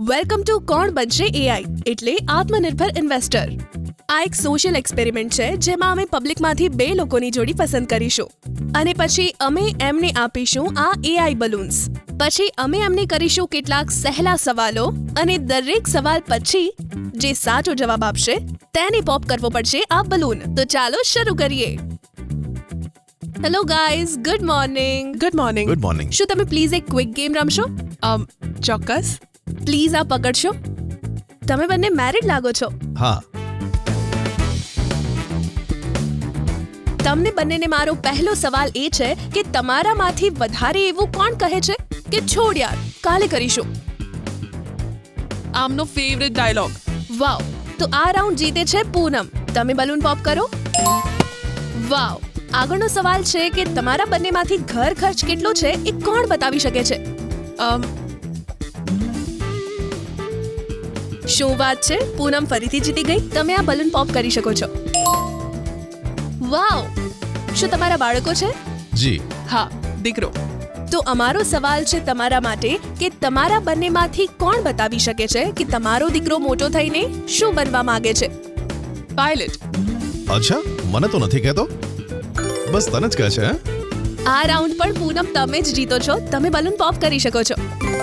Welcome to કોણ બનશે AI એટલે આત્મનિર્ભર ઇન્વેસ્ટર. આ એક સોશિયલ એક્સપેરિમેન્ટ છે જેમાં અમે પબ્લિકમાંથી 2 લોકોની જોડી પસંદ કરીશું અને પછી અમે એમને આપીશું આ એઆઈ બલૂન્સ. પછી અમે એમને કરીશું કેટલાક સહેલા સવાલો અને દરેક સવાલ પછી જે સાચો જવાબ આપશે તેને પોપ કરવો પડશે આ બલૂન. તો ચાલો શરૂ કરીએ. Hello guys, good morning. Good morning. Good morning. શું તમે પ્લીઝ એક ક્વિક ગેમ રમશો? ચોક્કસ. પ્લીઝ આ પકડશો. તમે બંને મેરિડ લાગો છો. હા. તમને બંનેને મારો પહેલો સવાલ એ છે કે તમારામાંથી વધારે એવું કોણ કહે છે કે છોડ યાર કાલે કરીશું? આમનો ફેવરેટ ડાયલોગ. વાવ, તો આ રાઉન્ડ જીતે છે પૂનમ. તમે બલૂન પોપ કરો. વાવ. આગળનો સવાલ છે કે તમારા બંનેમાંથી ઘર ખર્ચ કેટલો છે એ કોણ બતાવી શકે છે? શું વાત છે, પૂનમ ફરીથી જીતી ગઈ. તમે આ બલૂન પોપ કરી શકો છો. વાવ. શું તમારા બાળકો છે? જી હા, દીકરો. તો અમારો સવાલ છે તમારા માટે કે તમારા બંનેમાંથી કોણ બતાવી શકે છે કે તમારો દીકરો મોટો થઈને શું બનવા માંગે છે? પાયલટ. અચ્છા, મને તો નથી કહેતો, બસ તને જ કહે છે. હે? આ રાઉન્ડ પણ પૂનમ તમે જ જીતો છો. તમે બલૂન પોપ કરી શકો છો.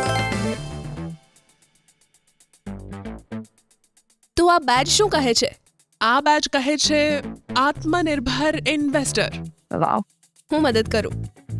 તો આ બેચ શું કહે છે? આ બેચ કહે છે આત્મનિર્ભર ઇન્વેસ્ટર. વાવ. હું મદદ કરું.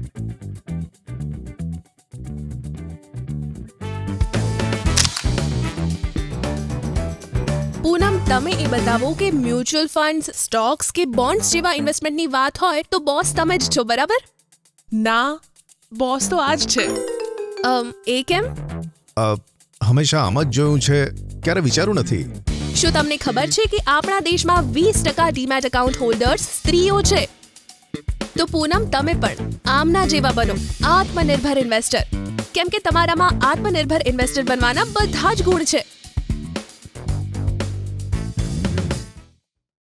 પૂનમ, તમે એ બતાવો કે મ્યુચ્યુઅલ ફંડ્સ, સ્ટોક્સ કે બોન્ડ્સ જેવા ઇન્વેસ્ટમેન્ટની વાત હોય તો બોસ તમે જ છો, બરાબર? ના, બોસ તો આ જ છે. એ કેમ? હંમેશા આમ જ જોયું છે, ક્યારે વિચાર્યું નથી. શું તમને ખબર છે કે આપણા દેશમાં 20% ડીમેટ એકાઉન્ટ હોલ્ડર્સ સ્ત્રીઓ છે? તો પૂનમ, તમે પણ આમના જેવા બનો, આત્મનિર્ભર ઇન્વેસ્ટર. કેમ કે તમારામાં આત્મનિર્ભર ઇન્વેસ્ટર બનવાના બધા જ ગુણ છે.